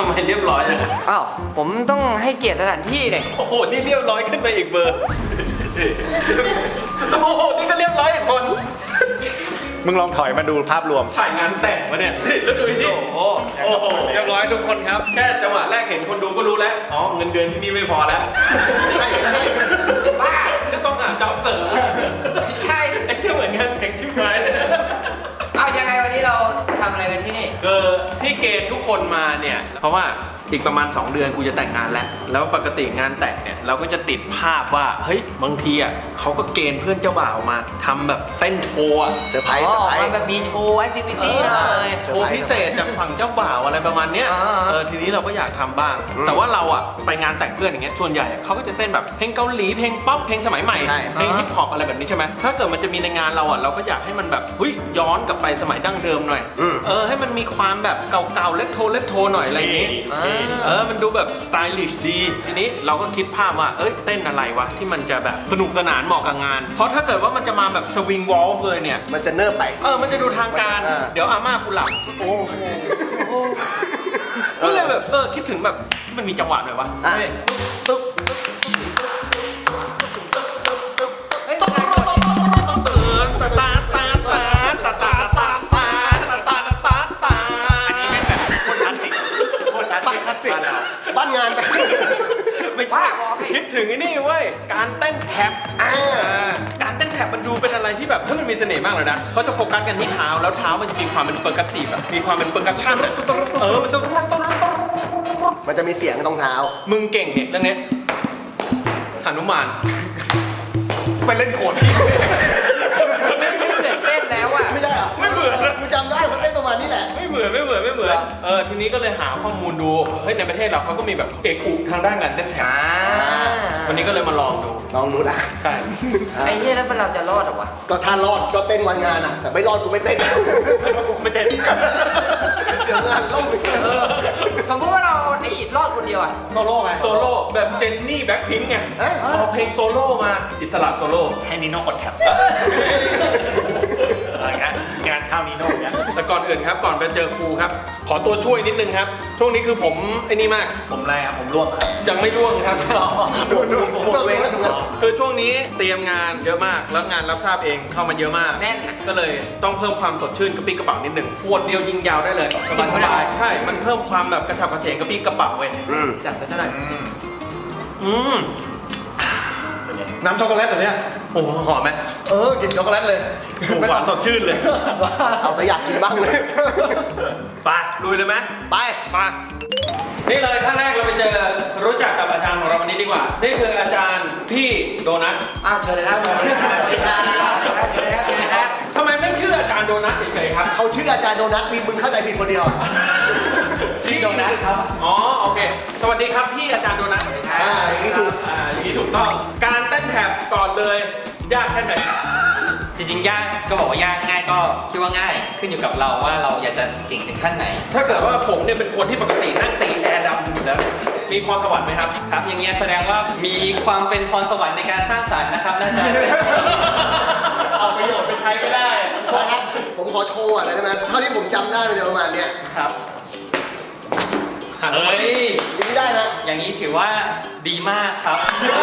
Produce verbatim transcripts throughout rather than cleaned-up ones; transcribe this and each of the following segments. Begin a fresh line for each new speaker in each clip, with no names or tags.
ำไมเรียบร้อยจัง
อ้าวผมต้องให้เกียรติสถานที่เลย
โอ้โหนี่เรียบร้อยขึ้นไปอีกเบอร์โอ้โหนี่ก็เรียบร้อยอีกคน
มึงลองถอยมาดูภาพรวม
ถ่ายงานแต่งวะเนี่ยแล้วดูนี่โอ้โหโอ้โห
เรียบร้อยทุกคนครับ
แค่จังหวะแรกเห็นคนดูก็รู้แล้วอ๋อเงินเดือนที่นี่ไม่พอแล้ว
ใช่ใช่บ้า
ต้องหาจ็อบเสริม
ไม่ใช่
ไอ้เชื่อเหมือนงานแต่งชิบหายเลย
เอายังไงวันนี้เราทำอะไรกันที่นี่
คือที่เกณฑ์ทุกคนมาเนี่ยเพราะว่าอีกประมาณสองเดือนกูจะแต่งงานแล้วแล้วปกติงานแต่งเนี่ยเราก็จะติดภาพว่าเฮ้ยบางทีอ่ะเขาก็เกณฑ์เพื่อนเจ้าบ่าวมาทำแบบเต้นโชว์อะเซอร์ไพรส์
อ๋อมันแบบมีโชว์แอคทิวิตี้เลย
โชว์พิเศษจากฝั่งเจ้าบ่าวอะไรประมาณเนี้ย
อ่า
เออทีนี้เราก็อยากทำบ้าง แต่ว่าเราอ่ะไปงานแต่งเพื่อนอย่างเงี้ยส่วนใหญ่เขาก็จะเต้นแบบเพลงเกาหลีเพลงป๊อปเพลงสมัยใหม่เพลงฮิปฮอปอะไรแบบนี้ใช่ไหมถ้าเกิดมันจะมีในงานเราอ่ะเราก็อยากให้มันแบบเฮ้ยย้อนกลับไปสมัยดั้งเดิมหน่อยเออให้มันมีความแบบเก่าๆเล็กโทเล็กโทหน่อยอะไรอย่างงี้ เออ มันดูแบบสไตลิชดี ทีนี้เราก็คิดภาพว่า เอ้ย เต้นอะไรวะ ที่มันจะแบบสนุกสนานเหมาะกับงาน เพราะถ้าเกิดว่ามันจะมาแบบสวิงวอลฟ์เลยเนี่ย
มันจะเนิบไป
เออ มันจะดูทางการ
อ่า
เดี๋ยวอาม่ากูหลับ
โอ้โห
ก็เลยแบบ เออ คิดถึงแบบมันมีจังหวะหน่อยวะ
อ่ะ
เฮ้ยตึ๊บ
เฮ้ย
ตื่นตาตาตาตาตาตาตาตาตาตาตาตาอันนี้เป็นแบบคนคลาสสิกคนคลาสสิกคลาสสิก
บ้านงานไป
ไม่ใช่คิดถึงไอ้นี่เว้ย การเต้นแท็บอ่าการเต้นแท็บมันดูเป็นอะไรที่แบบเฮ้ยมันมีเสน่ห์มากเลยนะเขาจะโฟกัสกันที่เท้าแล้วเท้ามันจะมีความเป็นเปอร์กัสซีฟแบบมีความเป็นเปอร์กัสชั่นอะเออมันต้อง
มันจะมีเสียงตรงเท้า
มึงเก่งเนี่ยเรื่องนี้หนุมานไปเล่นโขดที่
ไม่ไม่เหมือนเต้นแล้วอ่ะ
ไม่ได้เหรอ
ไม่เหมือน
กูจำได้เขาเต้นประมาณนี้แหละ
ไม่เหมือนไม่เหมือนไม่เหมือนเออทีนี้ก็เลยหาข้อมูลดูเฮ้ยในประเทศเราเขาก็มีแบบเอกอุทางด้านการเต้นแท็บ
อ่า
วันนี้ก็เลยมาลองดู
ลองดูนะ
ใช่
ไอ้เหี้ยแล้วเราจะรอดเหรอวะ
ก็ถ้ารอดก็เต้นวันงานอ่ะ แต่ไม่รอดกูไม่เต้น
แล้วก็กูไม่เต้น
เดี๋ยวงานล่มไป
เออสมมติว่าเราไอ้อิดรอดคนเดียวอ่ะ
โซโล่ไง
โซโล่แบบเจนนี่แบ็คพิงค์ไงเอาเพลงโซโล่มาอิสระโซโล่
ให้นิโน่กดแท็บอะไรเงี้ยงานข้าวนิโน่เนี้ย
แต่ก่อนอื่นครับก่อนไปเจอครูครับ ขอตัวช่วยนิดนึงครับ ช่วงนี้คือผมไอ้นี่มาก
ผมอะไรครับผมร่วงครับ
ยังไม่ร่วงครับ
ดูดูผมบอกเองแล้วดูนะ
คือช่วงนี้เตรียมงานเยอะมากแล้วงานรับทราบเองเข้ามาเยอะมาก
แน่นอะ
ก็เลยต้องเพิ่มความสดชื่นกระปี้กระเป๋านิดหนึ่งขวดเดียวยิงยาวได้เลยสบายสบายๆใช่มันเพิ่มความแบบกระฉับกระเฉงกระปี้กระเป๋าเว้ย
อืม
จัดไปซะหน่อย
อืมน้ำช็อกโกแลตเหรอเนี่ยโอ้โหหอมไหม
เออกินช็อกโกแลตเลย
หวานสดชื่นเลย
เอาสอยากกินบ้างเลย
ไปลุยเลยไหม
ไป
มานี่เลยท่านแรกเราไปเจอรู้จักกับอาจารย์ของเราวันนี้ดีกว่า นี่คืออาจารย์พี่โดนัท
อ้าวเชิญเลยครับเชิญเลยครับเชิญเลยครับเชิญเลยครับเชิญเลยครับ
ทำไมไม่ชื่ออาจารย์โดนัทเฉยๆครับ
เขาชื่ออาจารย์โดนัทมีมึงเข้าใจผิดคนเดียวอะ
พี่โดนัทครับอ๋อโอเค สวัสดีครับพี่อาจารย์โดนัท
อ่าอย่างนี้ถูก
อ่าอย่างนี้ถูกต้องการเต้นแท็บก่อนเลยยากแค่ไหน
จริงๆยากก็บอกว่ายากง่ายก็คิดว่าง่ายขึ้นอยู่กับเราว่าเราอยากจะเก่งถึงขั้นไหน
ถ้าเกิดว่าผมเนี่ยเป็นคนที่ปกตินั่งตีแอร์ดำอยู่แล้วมีพรสวรรค์ไหมครับ
ครับอย่างเงี้ยแสดงว่ามีความเป็นพรสวรรค์ในการสร้างสรรค์นะครับน่าจะ
เอาประโยชน์ไปใช้ไม่ได้
นะครับ ผมขอโชว์อะไรได้ไหมเท่าที่ผมจำได้มันจะประมาณเนี้ย
ครับ
หัน
เอ้ย
อย่างนี้ได้นะ
อย่างนี้ถือว่าดีมากครับ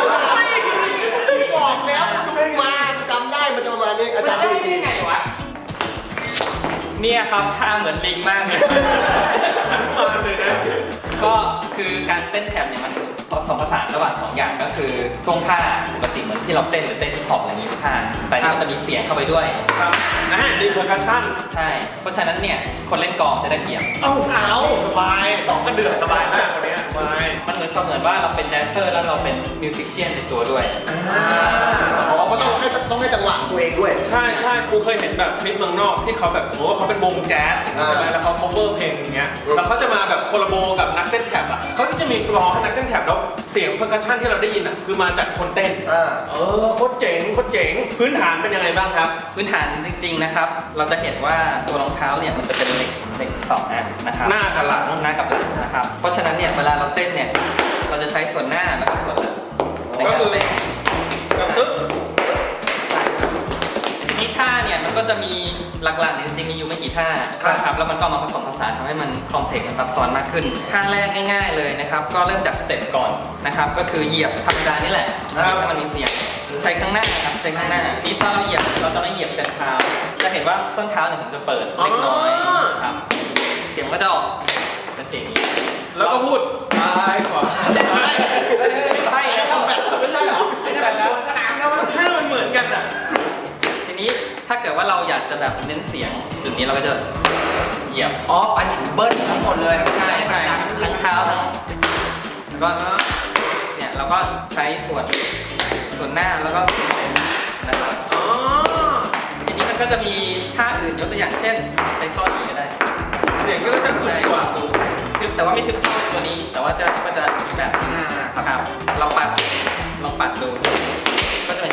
บอกแล้วดูมาจำได้มันจะประมาณนี้อาจารย์ดู
ได้
ดี
ได้ไงวะ
เนี่ยครับท่าเหมือนลิงมากเลย
มาเลยนะ
ก็คือการเต้นแท็บเนี่ยมันผสมผสานระหว่างสองอย่างก็คือช่วงท่าปกติเหมือนที่เราเต้นหรือเต้นที่ขอบอะไรอย่างนี้ทุกท่าแต่นี่มันจะมีเสียงเข้าไปด้วย
ครับนะดีเพอร์คัชชั่น
ใช่ เพราะฉะนั้นเนี่ยคนเล่นกลองจะได้เปรียบ
เอาเอาสบายสองก็เดือดสบายมากคนนี้สบาย
มันเหมือนเสมือนว่าเราเป็นแดนเซอร์แล้วเราเป็นมิวสิชเชียนในตัวด้วย
อ๋อก็ต้องให้ต้องให้จังหวะตัวเองด้วย
ใช่ใช่ครูเคยเห็นแบบคลิปเมืองนอกที่เขาแบบสมมติว่าเขาเป็นวงแจ๊สใช่ไหมแล้วเขา cover เพลงอย่างเงี้ยแล้วเขาจะมาแบบโคลาโบกับนักเต้นแท็บอ่ะเขาก็จะมีฟลอร์ให้นักเต้นแท็บแล้วเสียงเพอร์คัชชั่นที่เราได้ยินอ่ะคือมาจากคนเต้น
อ่า
เออโคตรเจ๋งโคตรเจ๋งพื้นฐานเป็นยังไงบ้างครับ
พื้นฐานจริงๆนะครับ เราจะเห็นว่าตัวรองเท้าเนี่ยมันจะเป็นเหล็กเหล็กสองอันนะครับ
หน้ากับหลัง
หน้ากับหลังนะครับ เพราะฉะนั้นเนี่ยเวลาเราเต้นเนี่ยเราจะใช้ส่วนหน้าแล้วก็ส่วนหลังในการเต้น
กระตึ๊บ
ทีนี้ท่าเนี่ยมันก็จะมีหลักๆเนี่ยจริงๆมีอยู่ไม่กี่ท่าครับแล้วมันก็มาผสมผสานทำให้มันคอมเพล็กซ์มันซับซ้อนมากขึ้นท่าแรกง่ายๆเลยนะครับก็เริ่มจากสเต็ปก่อนนะครับก็คือเหยียบธรรมดานี่แหละให้มันมีเสียงใช้ข้างหน้าครับใช้ข้างหน้านี่ตอนเราเหยียบเราจะไม่เหยียบแต่เท้าจะเห็นว่าส้นเท้าเนี่ยผมจะเปิดเล็กน้อยครับเสียงก็จะออกเป็นเสียงนี้
แล้วก็พูดซ้ายขวา
ไม่ใช่ครับไม่ใช่หรอไม่ใช่แบบแล้วสนามแล้ว
ถ้ามันเหมือนกันอ่ะ
ทีนี้ถ้าเกิดว่าเราอยากจะแบบเน้นเสียงจุดนี้เราก็จะเหยียบ
อ๋ออันนี้เบิ้ลทั้งหมดเลย
ใช่ใช่ทั้งเท้าทั้งแล้วก็เนี่ยเราก็ใช้ส่วนส่วนหน้าแล้วก็นะครับทีนี้มันก็จะมีท่าอื่นยกตัวอย่างเช่นใช้ซ่อนก็ได้
เสียงก็จะทึบกว่า
ทึบแต่ว่าไม่ทึบเท่าตัวนี้แต่ว่าจะก็จะอีกแบบครับเราปัดลองปัดดูก็จะเป็น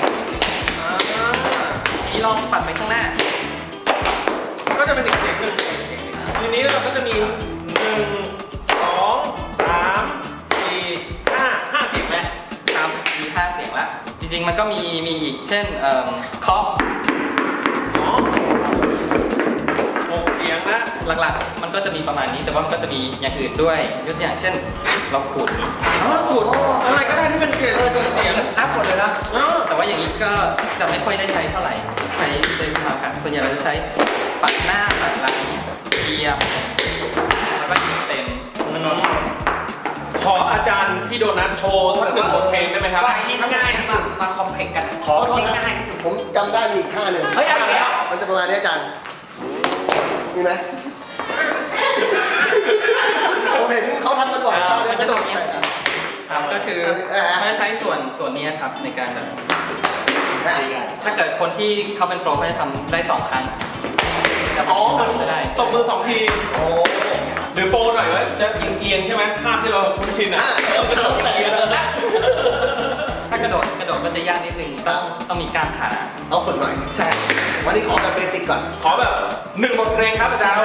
ทีนี้ลองปัดไปข้างหน้า
ก็จะเป็นอีกเสียงหนึ่งทีนี้เราก็จะมีหนึ่งสองสามสี่ห้าห้าเสียงแล้ว
ครับมีห้าเสียงละจริงๆมันก็มีมีอีกเช่นเอ่อเคาะ
อ๋อหกเสียงละ
หลักๆมันก็จะมีประมาณนี้แต่ว่ามันก็จะมีอย่างอื่นด้วยยกตัวอย่างเช่นเราขูด
อ๋อขูดอะไรก็ได้ที่เป็นเกลียวกับเสียง
นับหมดเลยนะ
แต่ว่าอย่างนี้ก็จะไม่ค่อยได้ใช้เท่าไหร่ใช้ใช้มาค่ะส่วนใหญ่เราจะใช้ปัดหน้าปัดหลังเหยียบแล้วก็ยิงเต็ม
ขออาจารย์พี่โดนัทโชว์สักหนึ่งบทเพลงได้ไหมครับ
ว่าที่ง่ายที่สุดมาคอมเพล็กซ์กัน
ขอที่ง่ายที่สุดผมจำได้มีอีกท่าหนึ่ง
เฮ้ยอะไรอ่ะ
มันจะประมาณนี้อาจารย์มีไหมผมเห็นเขาทำมาก่อนเขา
จะโดดเนี่ยครับก็คือเขาจะใช้ส่วนส่วนนี้ครับในการแบบถ้าเกิดคนที่เขาเป็นโปรเขาจะทำได้สองครั้ง
อ๋อมันตบมือสองทีโอ้หรือโปรหน่อยว่าจะเอียงๆใช่ไหมภาพที่เราคุ้นชินอ่ะ
ถ้ากระโดดกระโดดก็จะยากนิดนึงต้องต้องมีการขา
ต้องฝึกหน่อย
ใช่
วันนี้ขอแบบเบสิกก่อน
ขอแบบหนึ่งบทเพลงครับอาจารย์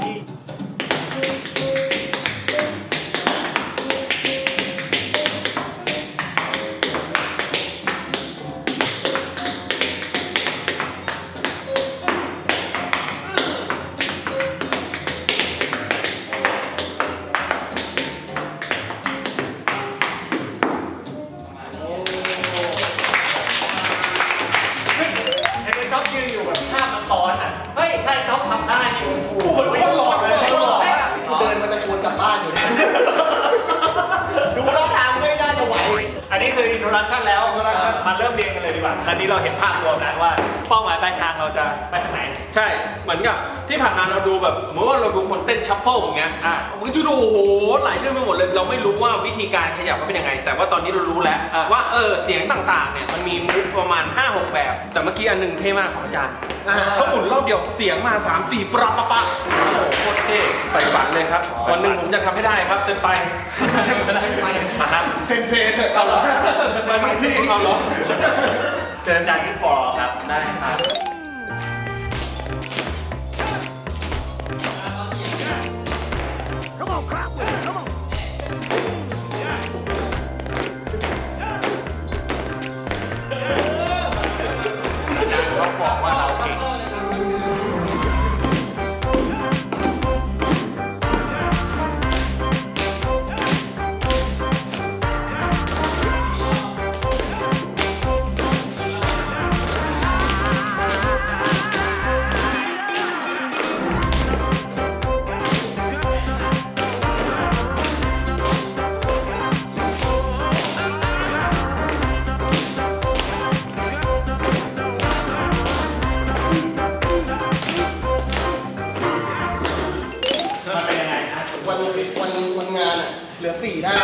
มาเริ่มเรียนกันเลยดีกว่าตอนนี้เราเห็นภาพรวมแล้วว่าเป้าหมายปลายทางเราจะไปทางไหน
ใช่เหมือนกับที่ผ่านมาเราดูแบบสมมติว่าเราดูคนเต้นชัฟเฟิลอย่างเงี้ยอ่ะมันก็จะดูโอ้โหหลายเรื่องไปหมดเลยเราไม่รู้ว่าวิธีการขยับมันเป็นยังไงแต่ว่าตอนนี้เรารู้แล้วว่าเออเสียงต่างๆเนี่ยมันมีมูฟประมาณ ห้าหก แบบแต่เมื่อกี้อันหนึ่งเท่มากของอาจารย์เขาหมุนรอบเดียวเสียงมา สาม สี่ ปรับปะปะโอ้โหโคตรเท่ใฝ่ฝันเลยครับวันหนึ่งผมจะทำให้ได้ครับเซนไปเซนเซนเอาเหรอเซนไปไม่พี่เอาเหรอ
เชิญอาจารย์ขึ้นฟอร์ครับ
ได้ครับ
บอกว่าเราเก่ง
เหลือสี่ได้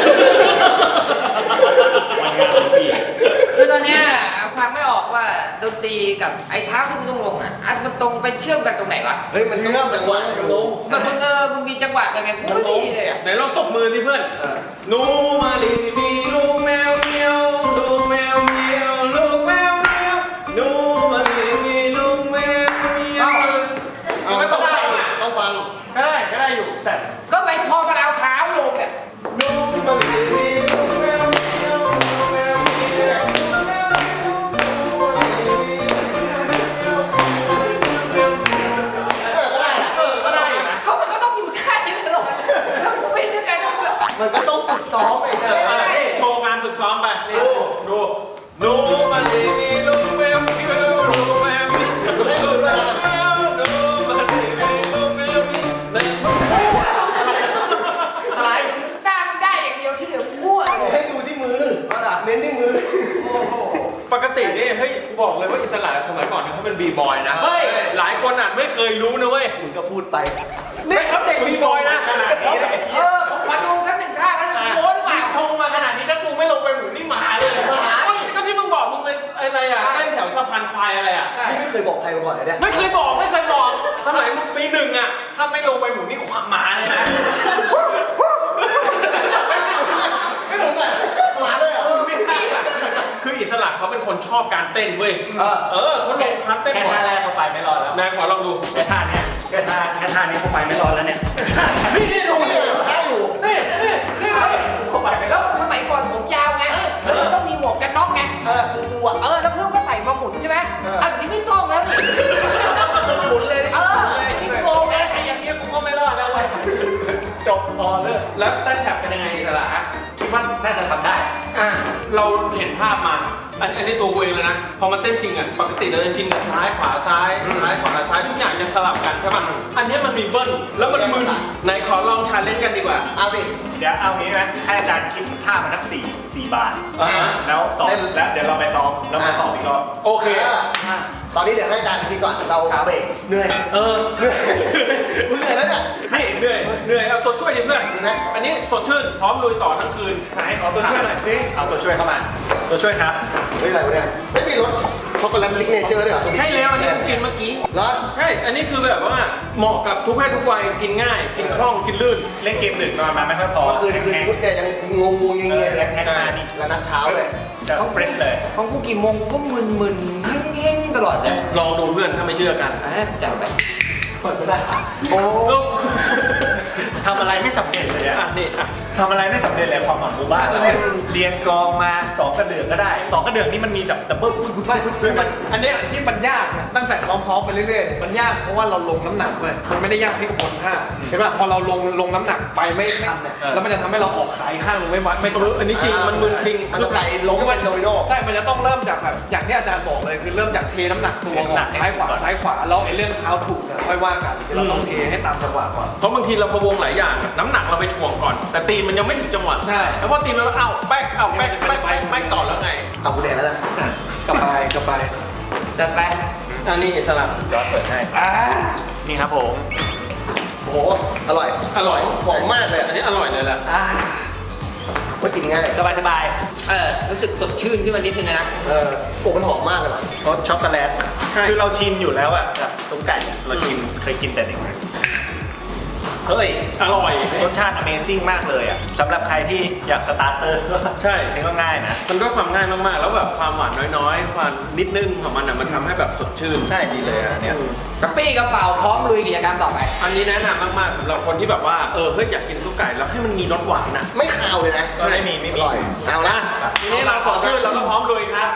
คือตอนนี้ฟังไม่ออกว่าดนตรีกับไอ้เท้าที่มึงต้องลงอ่ะอันมันตรงไปเชื่อมกันตรงไหนวะ
เฮ้ยมันต้องจังหวะมันลง
มันมึงเออมึงมีจังหวะยังไงกูไม่ดีเลยอ่ะ
ไหนลองตบมือสิเพื่อนนูมาลีมีลูกแมวเมียวลูกแมวเมียวลูกแมวเมียวนูมาลีมีลูกแมวเมียว
ไม่ต้องฟังต้องฟัง
ก็ได้ก็ได้อยู่แต่
ก็ไปพอมาเอาเท้าลงเนี่ย
นูมาลีมีลูกแมวเมียวลูกแมวเมียวลูกแมวเมียวลูกแมวเมียว
มันก็ต้องฝึกซ้อมไปเถ
เอ
อะ
อนี่โชว์งานฝึกซ้อมไปดูดูดูมันดีมีลูกแมวมีลูกแมวมีลูกแมวดูมันดีมีลูกแมวมี
อะไร
หน้ามันได้อย่างเดียวที่เหลือมั่วเลย
ให้ดูที่มือ
เอาล่ะ
เน้นที่มือ
โอ้โห
ปกตินี่เฮ้ยกูบอกเลยว่าอิสระสมัยก่อนเนี่ยเขาเป็นบีบอยนะ
เฮ้ย
หลายคนอ่ะไม่เคยรู้นะเว้ย
มึงก็พูดไป
นี่ครับเด็กบีบอยนะขนาดนี้
เออผมขอดูสักหนึ่งท่ากันโม้หรือเปล่า
โชว์มาขนาดนี้ถ้ากูไม่ลงไปหมุนนี่หมาเลยเฮ้ยก็ที่มึงบอกมึงเป็นอะไรอ่ะเต้นแถวสะพานควายอะไรอ่ะ
ใช่
นี่ไม่เคยบอกใครมาก่อนเลยเนี่ย
ไม่เคยบอกไม่เคยบอกสมัยมึงปีหนึ่งอ่ะถ้าไม่ลงไปหมุนนี่ขวางหมาเลยนะ
ไม่ถึงอ่ะหมาเลยเหรอ
คืออิสระเขาเป็นคนชอบการเต้นเว้ย
เออ
เออเขาลงคันเต้น
แค่
ก่อน
ท่าแรกเข้าไปไม่รอดแล้ว
นายขอลองดู
แค่ท่าเนี้ยแค่ท่าแค่ท่านี้เข้าไปไม่รอดแล้วเนี่ย
นี่นี่ดู
นี่
นี่
ได้อยู่
นี่นี่นี่
เข้าไปไม่ร
แล้
อ
ว
ด
สมัยก่อนผมยาวไงแล้วมันต้องมีหมวกกันน็อกไง
เออกูกูอ่ะ
เออแล้วเพื่อนก็ใส่มาหมุนใช่ไหมอ่ะนี่ไม่ต้องแล้วนี่
จนหมุนเลยดิ
เออนี่โฟมไง
ไอ้อย่างเงี้ยกูก็ไม่รอดแล้วเว้ย
จบพอเลิก
แล้วเต้นแท็บเป็นยังไงอิสระฮะคิดว่าน่าจะทำได้
อ่า
เราเห็นภาพมา อันอันนี้ตัวกูเองเลยนะ พอมาเต้นจริงอ่ะ ปกติเราจะชินกับซ้ายขวาซ้ายซ้ายขวาซ้ายทุกอย่างจะสลับกันใช่ป่ะ อันนี้มันมีเบิ้ล แล้วมันมึนไหนขอลองชาเลนจ์กันดีกว่า
เอาสิ
เดี๋ยวเอางี้ไหมให้อาจารย์คิดท่ามันนักสี่สี่บาท
อ่าฮะ
แล้วสอบแล้วเดี๋ยวเราไปซ้อมแล้วมาสอบอีกรอบ
โอเค
เออตอนนี้เดี๋ยวให้อาจารย์คิดก่อน เราเบรกเหนื่อย
เออ
เหนื่อยกูเหนื่อยแล้วเนี่ย
นี่เหนื่อย เหนื่อย เอาตัวช่วยดิเพื่อน
ดีไหม
อันนี้สดชื่น พร้อมลุยต่อทั้งคืน
ไหนขอตัวช่วยหน่อยสิเอาตัวช่วยเข้ามา ตัวช่วยครับ
เฮ้ยอะไรวะเนี่ยไม่มีรสช็อกโกแลตซิกเนเจอร์ด้วยเหรอ
ใช่แล้วอันนี้กูกินเมื่อกี้
แล้ว
ใช่ อันนี้คือแบบว่าเหมาะกับทุกเพศทุกวัย กินง่าย กินคล่อง กินลื่น
เล่นเกมดึกนอนมาไม่ค่อยพอ
เมื่อคืนคืน
แห้ง
พุธเนี่ยยังงงงงเงี้ย
ๆเออ
ๆเลย
แห้งๆมานี่
แล้วนัดเช้าเลย
จะเฟรชเลย
ของกูกี่โมงก็มึนๆเฮ้งๆตลอดเลย
ลองดูเพื่อนถ้าไม่เชื่อกัน
อ่ะจับไป
เปิดก็ได้
โอ้
ทำอะไรไม่สำเร็จเลย
อ่ะ
อะ
นี่อ่ะ
ทำอะไรไม่สำเร็จเลยความหวังหมู่บ้านเราเนี่ยเรียนกลองมาสองกระเดื่องก็ได้สองกระเดื่องนี่มันมีแบบดับเบิ้ลปุ๊บปุ๊บปุ๊บปุ๊บมัน
อันเนี้ยที่มันยากนะตั้งแต่ซ้อมๆไปเรื่อยๆเนี่ยมันยากเพราะว่าเราลงน้ำหนักเลยมันไม่ได้ยากที่กระบวนท่าเห็นป่ะพอเราลงลงน้ำหนักไปไม่ทันเนี่ยแล้วมันจะทำให้เราออกขายข้างลงไม่วัดไม่ตรง
อันนี้จริง มันมึนจริง
มันต้องไปล้มเป็นโดมิโน
ใช่ มันจะต้องเริ่มจากแบบอย่างที่อาจารย์บอกเลยคือเริ่มจากเทน้ำหนักตัวก่อนซ้ายขวาซ้ายขวาแล้วไอ้เรื่องเท้าถูกเนี่ยค่อยว่ากันเราต้องเทให้ตามจังหวะก่อน
เพราะบางทีเราพะวงหลายอย่าง น้ำหนักเราไปถ่วงก่อน แต่ตีนมันยังไม่ถึงจังหวะ
ใช่
แล้วพอตีนมันเอ้าแป๊กเอ้าแป๊กแป๊กแป๊กแป๊กต่อแล้วไง
เอากูแดงแล้วนะ
กลับไปกลับไป
จัดไป
อันนี้สลับ
จอร์จเปิดให้นี่ครับผม
โอ้โหอร่อย
อร่อย
หอมมากเลย
อัน
อ่ะ
นี้อร่อยเลยแหละ
มันกินง่าย
สบายสบาย
เออรู้สึกสดชื่นขึ้นมานิดนึงนะ
เออโอ้มันหอมมากเลยว่ะ
รสช็อกโกแลตคือเราชินอยู่แล้วอะกับซุปไก่อะเราชินเคยกินแต่เด็กเฮ้ย
อร่อย
รสชาติ Amazing มากเลยอ่ะสำหรับใครที่อยากสตาร์เตอร์ก็
ใช่
นี่ก็ง่ายนะ
มันด้วยความง่ายมากๆ แล้วแบบความหวานน้อยๆ ความนิดนึงของมันอ่ะ มันทำให้แบบสดชื่น
ใช่ดีเลยอ่ะเนี่ย
กระปี้กระเป๋าพร้อมลุยกิจกรรมต่อไป
อันนี้แนะนำมากๆสำหรับคนที่แบบว่า เออ เฮ้ย อยากกินซุปไก่แล้วให้มันมีรสหวานอ่ะ
ไม่คาวเลยนะ
ก็ไม่มีไม่
อ
มี
ร่อย เอาละ
ทีนี้เราสดชื่นเราก็พร้อมลุยครับ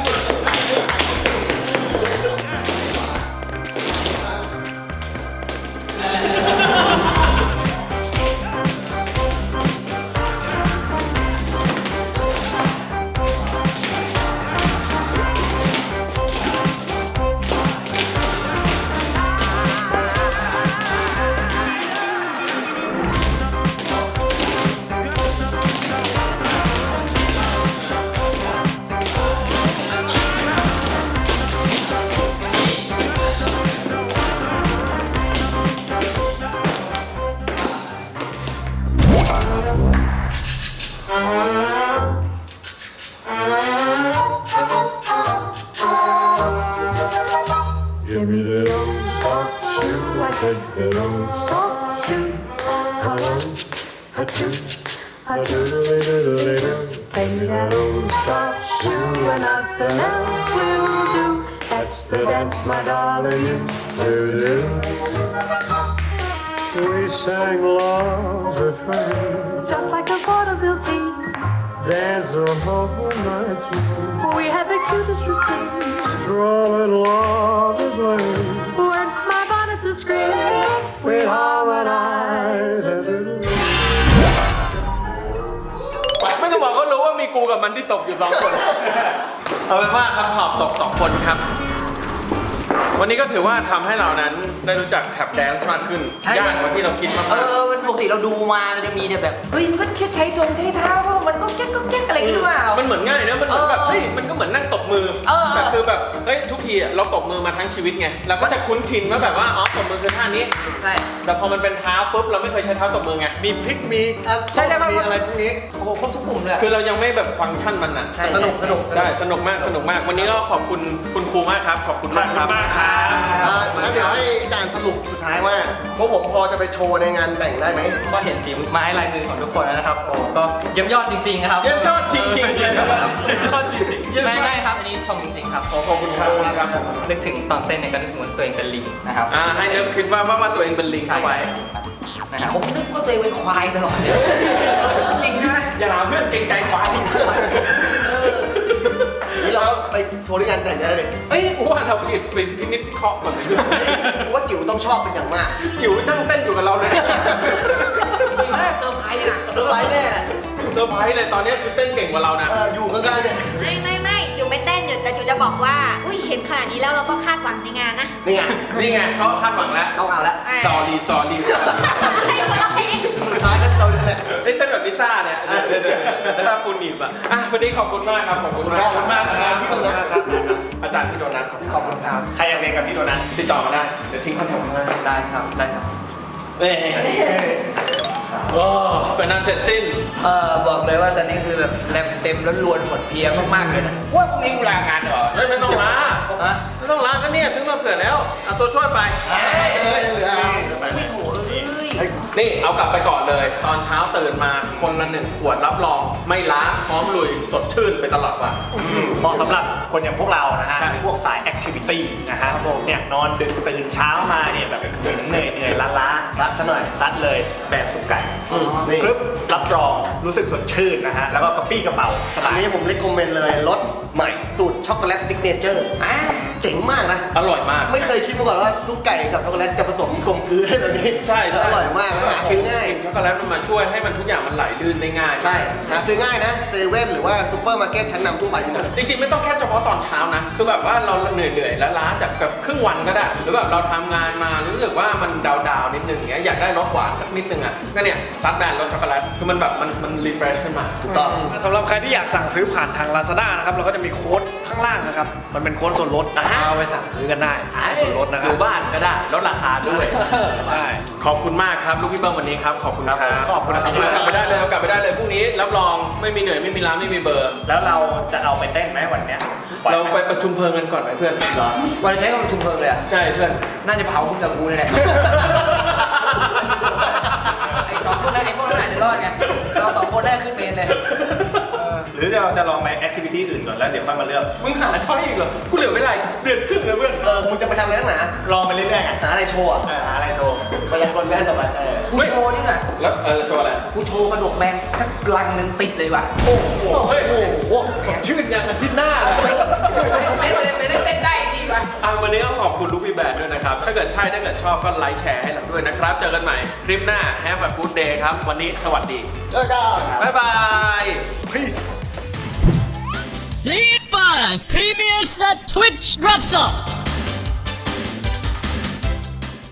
Give me the old soft shoe. I said the old soft shoe. Hello, a two, a doodly doodly doo. Pay me that old soft shoe and nothing else will do. That's the dance my darling used to do. We sang love's refrain,
Just like a vaudeville team,
danced the whole night through,
we had the cutest routine.
strolling love's lane.
When my bonnet's a scream,
We harmonize and do.
กูกับมันที่ตกอยู่สองคน เอาเป็นว่าครับหอบตกสองคนครับ วันนี้ก็ถือว่าทำให้เรานั้นได้รู้จักแท็บแดนซ์มากขึ้น
ใช่
ยากกว่าที่เราคิดมาก
เออมันปกติเราดูมามันจะมีเนี่ยแบบเฮ้ยมันก็แค่ใช้จงใช้เท้าก็มันก็แก๊กก็แก๊กอะไรหรือเปล่า
ๆมันเหมือนง่ายนะมันเหมือนแบบ
เออ
เฮ้ยมันก็เหมือนนั่งตบมือ
เออ
แต่คือแบบเฮ้ยทุกทีอะเราตบมือมาทั้งชีวิตไงเราก็จะคุ้นชินว่าแบบว่าอ๋อตบมือคือท่านี้
ใช่
แต่พอมันเป็นเท้าปุ๊บเราไม่เคยใช้เท้าตบมือไง
มีพลิกมีอ่ะ
ใช่ใช่
มีอะไรพวกนี้
โอ้โหครบทุกปุ่มเลย
คือเรายังไม่แบบฟังก์ชันมันอ่ะ
ใช่
สนุกสนุก
ใช่สนุกมากสนุกมาก วันนี้ก็ขอบคุณคุณครูมากครับ ขอบคุณมากครับ
อ่างั้นเดี๋ยวให้อาจารย์สรุปสุดท้ายว่าพวกผมพอจะไปโชว์ในงานแต่งได้ไหม
ก็เห็นฝีไม้ลายมือของทุกคนแล้วนะครับโอ้ก็เยี่ยมยอดจริงๆครับ
เยี่ยมยอดจริงๆเยี่ยมยอดจริง
ยอดจริงๆไม่ไม่ครับอันนี้ชมจริงๆครับ
ขอบคุณครับครับ
นึกถึงตอนเต้นเนี่ยก็นึกเหมือนตัวเองเป็นลิงนะครับ
อ่าให้เริ่มคิดว่าว่าว่าตัวเองเป็นลิงเข้าไว้
นะครับ
ผมนึกว่าตัวเองเป็นควายตลอดเลยจริงใช่ไหม
อย่าหาเพื่อนเกรงใจควาย
เออ
นี่เราก็ไปโชว์ที่งานแต่งได้เลย
เฮ้ยกูว่าเราคิดเป็นพินิจพิเคราะห์ก่อนเลย
ผมว่าจิ๋วต้องชอบเป็นอย่างมาก
จิ๋วนั่งเต้นอยู่กับเราเลย
จริงๆแล้วเซอร์ไพรส์อ่ะ
เซอร์ไพรส์แน่แหละ
เซอร์ไพรส์เลยตอนนี้คือเต้นเก่งกว่าเรานะ
เอออยู่ข้างๆเนี่ย
ไม่ไม่ไม่จูไม่เต้นอยู่แต่จูจะบอกว่า อุ้ยเห็นขนาดนี้แล้วเราก็คาดหวังในงานนะ
นี่ไง
นี่ไงเขาคาดหวังแล้ว
ต้องเอาละ
ซอดีซอดี
ให้คนละเพลง
สุดท้ายก็เราเนี่ยแหละ
เต้นแบบลิซ่าเนี่ยเดี๋ยวเดี๋ยวเดี๋ยวถ้าคุณหนีบอ่ะอ่ะวันนี้ขอบคุณมากครับขอบคุณมาก
ขอบคุณมากครับ
ขอบคุณมากครับอาจารย์พี่โดนัทขอบคุณครับ
ใครอยากเรียนกับพี่โดนัท
ติดต่อมาได้เดี๋ยวทิ้งคอนแทคข้างล่าง
ได้ครับได้ครับ
เอ้โอ้เป็นนั้นเสร็จสิ้น
เออบอกเลยว่าตอนนี้คือแบบแรมเต็มแล้วล้วนหมดเพลียมากๆเลยนะว่าพรุ่งนี้กูลางานเหรอ
เฮ้ยไม่ต้องลา
ฮะ
ไม่ต้องลาก็เนี่ยซื้อมาเผื่อแล้วเอาตัวช่วยไป
เออยังเหลือเอา
ไม่ถูกเลย
นี่เอากลับไปก่อนเลย ตอนเช้าตื่นมาคนละหนึ่งขวดรับรอง ไม่ล้าพร้อมลุยสดชื่นไปตลอดวัน
เหมาะสำหรับคนอย่างพวกเรานะฮะ
ใช่
พวกสายแอคทิวิตี้นะฮะเนี่ยนอนดึกตื่นเช้ามาเนี่ยแบบเหนื่อยเหนื่อยล้าล้า
ซัดซะหน่อย
ซัดเลยแบบสุกไก่
นี่
ปึ๊บรับรองรู้สึกสดชื่นนะฮะ แล้วก็กระปี้กระเป๋าส
อั
บาน ย
นี้ผมเล c คอมเมนต์เลยรสใหม่สูตรช็อกโกแลตซิกเนเจอร์
อ่ะ
เจ๋งมากนะ
อร่อยมาก
ไม่เคยคิดมาก่อนว่าซุปไก่กับช็อกโกแลตจะผสมกลมกลืนได้แบบนี้
ใช่
แล้วอร่อยมากนะหาซื้อง่าย
ช็อกโกแลตมันมาช่วยให้มันทุกอย่างมันไหลลื่นได้ง่าย
ใช่หาซื้อง่ายนะเซเว่นหรือว่าซูเปอร์มาร์เก็ตชั้นนำทั่วไปมีหมด
จริงๆไม่ต้องแค่เฉพาะตอนเช้านะ คือแบบว่าเราเหนื่อยๆแล้วล้าจากแบบครึ่งวันก็ได้ หรือแบบเราทำงานมารู้สึกว่ามันดาวๆนิดนึงอย่างเงี้ยอยากได้รสหวานสักนิดนึงอ่ะก็เนี่ยซัดแบนรสช็อกโกแลตคือมันแบบมันมันรีเฟรชขึ้นมา
ถูกต้อง
สำหรับใครที่อยากสั่งซื้อผ่านทาง Lazada นะครับเราก็จะมีโค้ดข้างล่างนะครับ มันเป็นโค้ดส่วนลด
อ่า
เอาไปสั่งซื้อกันได้ส่วนลดนะค
อ
รับ
ยู่บ้านก็ได้ลดราคาด้วย
ใช่
ขอบคุณมากครับลูกพี่เบิ้มวันนี้ครับขอบคุณครับ
ขอบคุณครับ
กลับไปได้เลยเอากลับไปได้เลยพรุ่งนี้รับรองไม่มีเหนื่อยไม่มีล้าไม่มีเบอร์
แล้วเราจะเอาไปเต้นไหมวันเนี้ยปล่อย
เรา
หม
ไปประชุมเพลิงกันก่อนไหมเพื่อน
วันใช้คำประชุมเพลิงเลยอ่ะ
ใช่เพื่อน
น่าจะเผาคุณกับกูเลยแหละ ไอ้สองคนนั้นไอ้พวกนั้นอาจจะรอดไง เราสองคนได้ขึ้นเมนเลย
หรือเราจะลองไปแอคทิวิตี้อื่นก่อนแล้วเดี๋ยวค่อยมาเลือก
มึงหาช้อยอีกเหรอกูเหลือเวลาเดือนครึ่งแล้วเพื่อน
เออมึงจะไปทำอะไรนักหนา
ลองไปเรื่อยๆไง
หาอะไรโชว์อะ
เออหาอะไรโชว์
ไปยังคนแม่นต่อไป
เออ
กูโชว์นี่หน่อย
แล้วเออโชว์อะไร
กูโชว์กระดกแมงทั้งลังหนึ่งติดเลยว่ะ
โอ้โหเฮ้ย
โอ้โหชื่นยังอาทิตย์หน้าเลย
ไม่ไม่ไม่ได้เต้นได้จริงว่ะ
อ่ะวันนี้ก็ขอบคุณลูกพี่แบดด้วยนะครับ ถ้าเกิดใช่ถ้าเกิดชอบก็ไลค์แชร์ให้เราด้วยนะครับ เจอกันใหม่คลิปหน้า Have a good day ครับ วันนี้สวัสดี
เจอกัน
บ๊ายบาย
Peace
Sleepers! P B S at Twitch drops off!